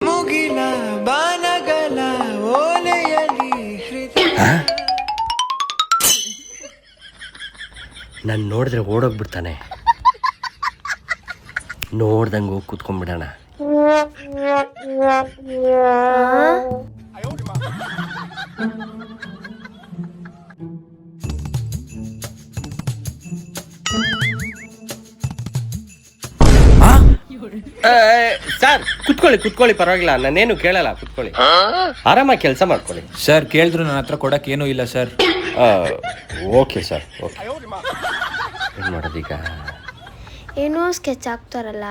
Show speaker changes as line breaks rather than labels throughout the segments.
ಮುಗಿಲ ಬಾನಗಲ ಓಲೆಯಲಿ ಹೃದಯ.
ನಾನು ನೋಡಿದ್ರೆ ಓಡೋಗ್ಬಿಡ್ತಾನೆ. ನೋಡ್ದಂಗೆ ಹೋಗಿ ಕೂತ್ಕೊಂಡ್ಬಿಡೋಣ. ಸರ್ ಕುತ್ಕೊಳ್ಳಿ ಪರವಾಗಿಲ್ಲ, ನಾನೇನು ಕೇಳಲ್ಲ, ಕುತ್ಕೊಳ್ಳಿ, ಆರಾಮಾಗಿ ಕೆಲಸ ಮಾಡ್ಕೊಳ್ಳಿ.
ಸರ್ ಕೇಳಿದ್ರು ನನ್ನ ಹತ್ರ ಕೊಡಕ್ಕೆ ಏನೂ ಇಲ್ಲ ಸರ್.
Okay sir, okay. ಏನು ಮಾಡೋದೀಗ?
ಏನೋ ಸ್ಕೆಚ್ ಆಗ್ತಾರಲ್ಲ.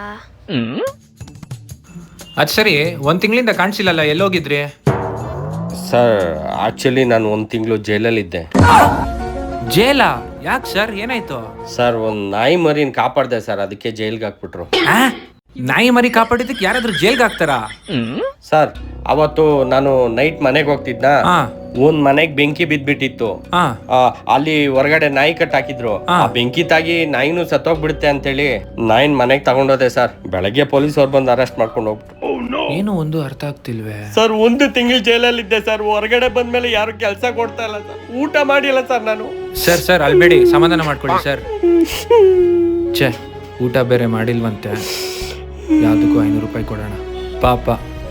ಅದು ಸರಿ, 1 ತಿಂಗಳಿಂದ ಕಾಣಿಸಿಲ್ಲಲ್ಲ, ಎಲ್ಲೋಗಿದ್ರಿ?
ಸರ್ ಆಕ್ಚುಲಿ ನಾನು 1 ತಿಂಗಳು ಜೈಲಲ್ಲಿದ್ದೆ.
ಜೈಲಾ? ಯಾಕೆ ಸರ್, ಏನಾಯ್ತು?
ಸರ್ ಒಂದು ನಾಯಿ ಮರಿನ ಕಾಪಾಡ್ದೆ ಸರ್, ಅದಕ್ಕೆ ಜೈಲ್ಗೆ ಹಾಕ್ಬಿಟ್ರು.
ನಾಯಿ ಮರಿ ಕಾಪಾಡಿದ್ದಕ್ಕೆ ಯಾರಾದ್ರೂ ಜೈಲ್ಗೆ ಹಾಕ್ತಾರಾ?
ಸರ್ ಅವತ್ತು ನಾನು ನೈಟ್ ಮನೆಗೆ ಹೋಗ್ತಿದ್ನ, ಒಂದ್ ಮನೆಗ್ ಬೆಂಕಿ ಬಿದ್ಬಿಟ್ಟಿತ್ತು. ಅಲ್ಲಿ ಹೊರಗಡೆ ನಾಯಿ ಕಟ್ ಹಾಕಿದ್ರು. ಆ ಬೆಂಕಿ ತಾಗಿ ನಾಯಿನೂ ಸತ್ತೋಗ್ಬಿಡುತ್ತೆ ಅಂತೇಳಿ ನಾಯಿನ್ ಮನೆಗ್ ತಗೊಂಡೋದೆ ಸರ್. ಬೆಳಗ್ಗೆ ಪೊಲೀಸ್ ಅವ್ರು ಬಂದು ಅರೆಸ್ಟ್ ಮಾಡ್ಕೊಂಡು ಹೋಗ್ಬಿಟ್ಟು.
ಏನು ಒಂದು ಅರ್ಥ ಆಗ್ತಿಲ್ವೇ
ಸರ್ 1 ತಿಂಗಳು ಜೈಲಲ್ಲಿದ್ದೆ ಸರ್. ಹೊರಗಡೆ ಬಂದ್ಮೇಲೆ ಯಾರು ಕೆಲಸ ಕೊಡ್ತಾ ಇಲ್ಲ ಸರ್, ಊಟ ಮಾಡಿಲ್ಲ ಸರ್ ನಾನು.
ಸರ್ ಅಲ್ಬೇಡಿ, ಸಮಾಧಾನ ಮಾಡ್ಕೊಳ್ಳಿ ಸರ್. ಛೇ, ಊಟ ಬೇರೆ ಮಾಡಿಲ್ವಂತೆ, ಯಾವ್ದಕ್ಕೂ 500 ರೂಪಾಯಿ ಕೊಡೋಣ ಪಾಪ.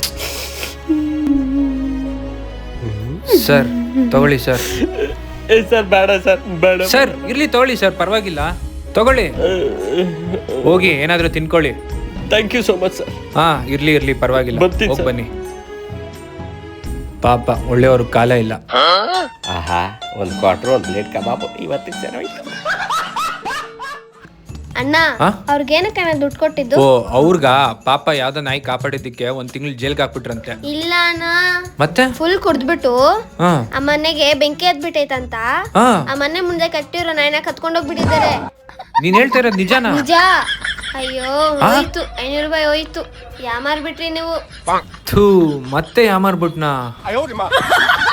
ಸರ್ ತಗೊಳ್ಳಿ ಸರ್.
ಸರ್ ಬೇಡ ಸರ್, ಬೇಡ
ಸರ್. ಇರ್ಲಿ ತಗೊಳ್ಳಿ ಸರ್, ಪರವಾಗಿಲ್ಲ, ತಗೊಳ್ಳಿ, ಹೋಗಿ ಏನಾದ್ರೂ ತಿನ್ಕೊಳ್ಳಿ.
Thank you so much sir.
ಇರ್ಲಿ ಪರವಾಗಿಲ್ಲ, ಹೋಗಿ ಬನ್ನಿ. ಪಾಪ ಒಳ್ಳೆಯವ್ರ ಕಾಲ ಇಲ್ಲ.
ಆಹಾ, 1 ಕ್ವಾರ್ಟರ್ 1 ಪ್ಲೇಟ್ ಕಬಾಬ್ ಇವತ್ತಿಗೆ ಸರ್.
ಅಣ್ಣ, ಅವ್ರಿಗೇನಕ್ಕೆ ದುಡ್ಡು ಕೊಟ್ಟಿದ್ದು?
ಓ, ಅವ್ರಗ ಪಾಪ ಯಾವ್ದೋ ನಾಯಿ ಕಾಪಾಡಿದ್ದಕ್ಕೆ 1 ತಿಂಗಳು ಜೈಲ್ಗೆ ಹಾಕ್ಬಿಟ್ರಂತೆ.
ಇಲ್ಲ ಅಣ್ಣ,
ಮತ್ತೆ
ಫುಲ್ ಕುಡ್ದ್ಬಿಟ್ಟು ಆ ಮನೆಗೆ ಬೆಂಕಿ ಹತ್ಬಿಟ್ಟೈತಂತ ಆ ಮನೆ ಮುಂದೆ ಕಟ್ಟಿರೋ ನಾಯಿನ ಕತ್ಕೊಂಡೋಗ್ಬಿಟ್ಟಿದ್ದಾರೆ.
ನೀನ್ ಹೇಳ್ತಾ ಇರೋದು ನಿಜಾನಾ?
ನಿಜ. ಅಯ್ಯೋ, ಹೋಯ್ತು 500 ರೂಪಾಯಿ ಹೋಯ್ತು. ಯಾಮಾರ್ಬಿಟ್ರಿ ನೀವು.
ಮತ್ತೆ ಯಾಮಾರ್ಬಿಟ್ನಾ?